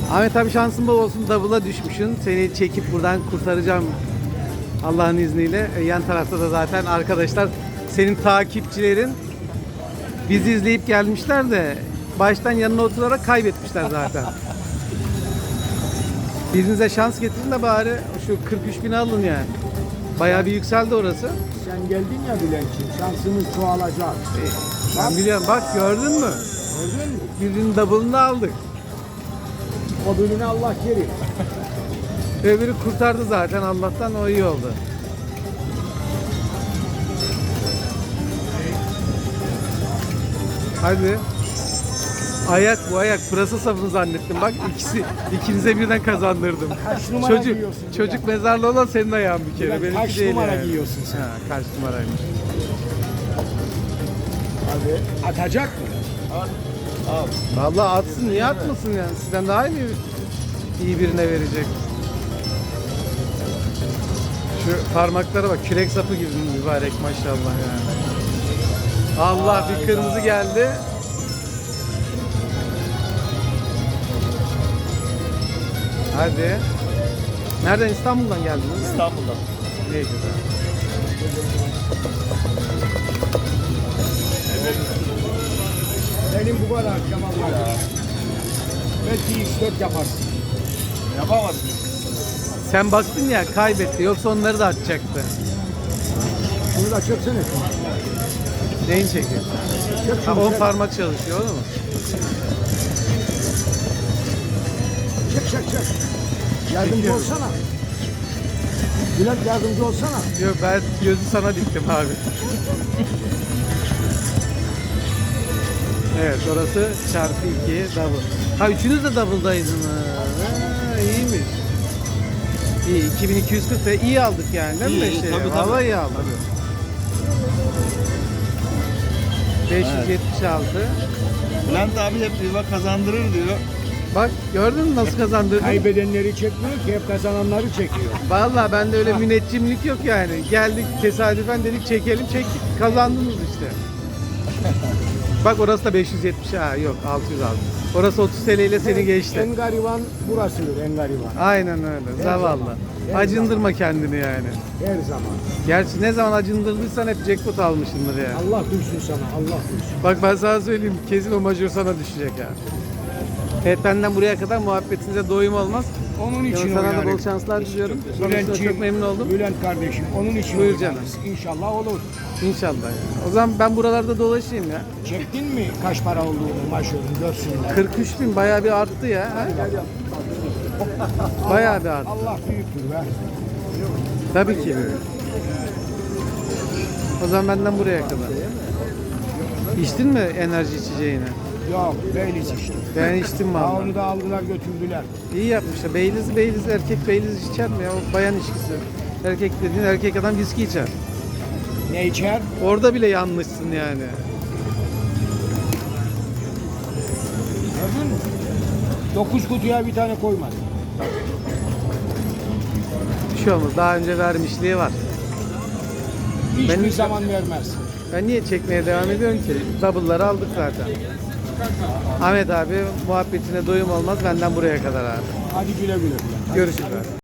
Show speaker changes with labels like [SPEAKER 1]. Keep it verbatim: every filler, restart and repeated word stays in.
[SPEAKER 1] Ahmet abi şansın bol olsun, double'a düşmüşsün. Seni çekip buradan kurtaracağım Allah'ın izniyle. E, yan tarafta da zaten arkadaşlar, senin takipçilerin bizi izleyip gelmişler de baştan yanına oturarak kaybetmişler zaten. Birinize şans getirin de bari şu kırk üç bini alın yani. Bayağı bir yükseldi orası.
[SPEAKER 2] Sen geldin ya Bülent'ciğim, şansımız çoğalacak.
[SPEAKER 1] E, ben biliyorum, bak gördün mü?
[SPEAKER 2] Gördün mü?
[SPEAKER 1] Birinin double'ını aldık.
[SPEAKER 2] O bölümü Allah kerim.
[SPEAKER 1] Öbürü kurtardı zaten Allah'tan, o iyi oldu. Hadi. Ayak bu ayak. Pırasa sapını zannettim. Bak ikisi ikinize birden kazandırdım.
[SPEAKER 2] Kaç numara
[SPEAKER 1] Çocuk
[SPEAKER 2] giyiyorsun
[SPEAKER 1] çocuk mezarlı olan senin ayağın bir kere.
[SPEAKER 2] Bilal,
[SPEAKER 1] Benimki
[SPEAKER 2] kaç
[SPEAKER 1] değil
[SPEAKER 2] numara
[SPEAKER 1] yani.
[SPEAKER 2] giyiyorsun sen?
[SPEAKER 1] Ha, kaç numaraymış.
[SPEAKER 2] Abi atacak mı?
[SPEAKER 1] Vallahi atsın, niye atmasın yani? Sizden daha iyi iyi birine verecek. Şu parmaklara bak, kürek sapı gibi mübarek maşallah yani. Allah, bir kırmızı geldi. Hadi. Nereden? İstanbul'dan geldin değil mi?
[SPEAKER 3] İstanbul'dan.
[SPEAKER 1] Ne güzel.
[SPEAKER 2] Benim bu kadar Kemal var. Belki üç dört yaparsın.
[SPEAKER 3] Yapamazsın.
[SPEAKER 1] Sen baktın ya, kaybetti. Yoksa onları da atacaktı.
[SPEAKER 2] Şunu da çöksene.
[SPEAKER 1] Neyin çekiyor?
[SPEAKER 2] Çök
[SPEAKER 1] Ha,
[SPEAKER 2] şunu,
[SPEAKER 1] on
[SPEAKER 2] çök.
[SPEAKER 1] parmak çalışıyor, öyle mi?
[SPEAKER 2] Çek çek çek. Yardımcı
[SPEAKER 1] Çekiyorum.
[SPEAKER 2] olsana. Bülent yardımcı olsana.
[SPEAKER 1] Yok, ben gözü sana diktim abi. Evet, orası çarpı iki double. Ha, üçünüz de double'daydınız. Ha, iyiymiş. İyi, iki bin iki yüz kırk da iyi aldık yani değil mi?
[SPEAKER 3] İyi,
[SPEAKER 1] Beşleri?
[SPEAKER 3] tabii, tabii.
[SPEAKER 1] Vallahi iyi aldık. beş yüz yetmiş altı.
[SPEAKER 3] Bülent abi hep diyor kazandırır diyor.
[SPEAKER 1] Bak gördün mü nasıl kazandırdın?
[SPEAKER 2] Kaybedenleri çekmiyor ki, hep kazananları çekiyor.
[SPEAKER 1] Vallahi bende öyle müneccimlik yok yani. Geldik tesadüfen, dedik çekelim, çektik. Kazandınız işte. Bak orası da beş yüz yetmiş, ha yok altı yüz altı. Orası otuz T L ile seni geçti.
[SPEAKER 2] En gariban burasıdır, en gariban.
[SPEAKER 1] Aynen öyle. Zavallı.
[SPEAKER 2] Her
[SPEAKER 1] Acındırma kendini yani.
[SPEAKER 2] Her zaman.
[SPEAKER 1] Gerçi ne zaman acındırdıysan hep jackpot almışsındır yani.
[SPEAKER 2] Allah duysun sana, Allah duysun.
[SPEAKER 1] Bak ben sana söyleyeyim, kesin o majör sana düşecek yani. Evet, benden buraya kadar muhabbetinize doyum olmaz.
[SPEAKER 2] Onun için
[SPEAKER 1] Yani sana da
[SPEAKER 2] oynarım.
[SPEAKER 1] bol şanslar diliyorum. Sonrasında
[SPEAKER 2] Bülentciğim,
[SPEAKER 1] çok memnun oldum.
[SPEAKER 2] Bülent kardeşim, onun için
[SPEAKER 1] Buyur
[SPEAKER 2] oynarız.
[SPEAKER 1] canım.
[SPEAKER 2] İnşallah olur.
[SPEAKER 1] İnşallah yani. O zaman ben buralarda dolaşayım ya.
[SPEAKER 2] Çektin mi kaç para olduğunu maşörün görsünler.
[SPEAKER 1] kırk üç bin bayağı bir arttı ya. Ha? Bayağı bir arttı.
[SPEAKER 2] Allah büyüktür be.
[SPEAKER 1] Tabii ki. O zaman benden buraya kadar. İçtin mi enerji içeceğini?
[SPEAKER 2] Yok, Beyliz işte.
[SPEAKER 1] Ben içtim
[SPEAKER 2] Daha
[SPEAKER 1] vallahi.
[SPEAKER 2] onu da aldılar götürdüler.
[SPEAKER 1] İyi yapmışlar. Beyliz, Beyliz, erkek Beyliz içer mi ya? O bayan içkisi. Erkek dediğin, erkek adam viski içer.
[SPEAKER 2] Ne içer?
[SPEAKER 1] Orada bile yanlışsın yani.
[SPEAKER 2] Gördün mü? Dokuz kutuya bir tane koymadı.
[SPEAKER 1] Bir şey olmaz. Daha önce vermişliği var.
[SPEAKER 2] Hiçbir
[SPEAKER 1] Benim-
[SPEAKER 2] zaman vermez.
[SPEAKER 1] Ben niye çekmeye devam ediyorum ki? Double'ları aldık zaten. Ahmet abi, muhabbetine doyum olmaz. Benden buraya kadar abi.
[SPEAKER 2] Hadi güle güle.
[SPEAKER 1] Görüşürüz abi.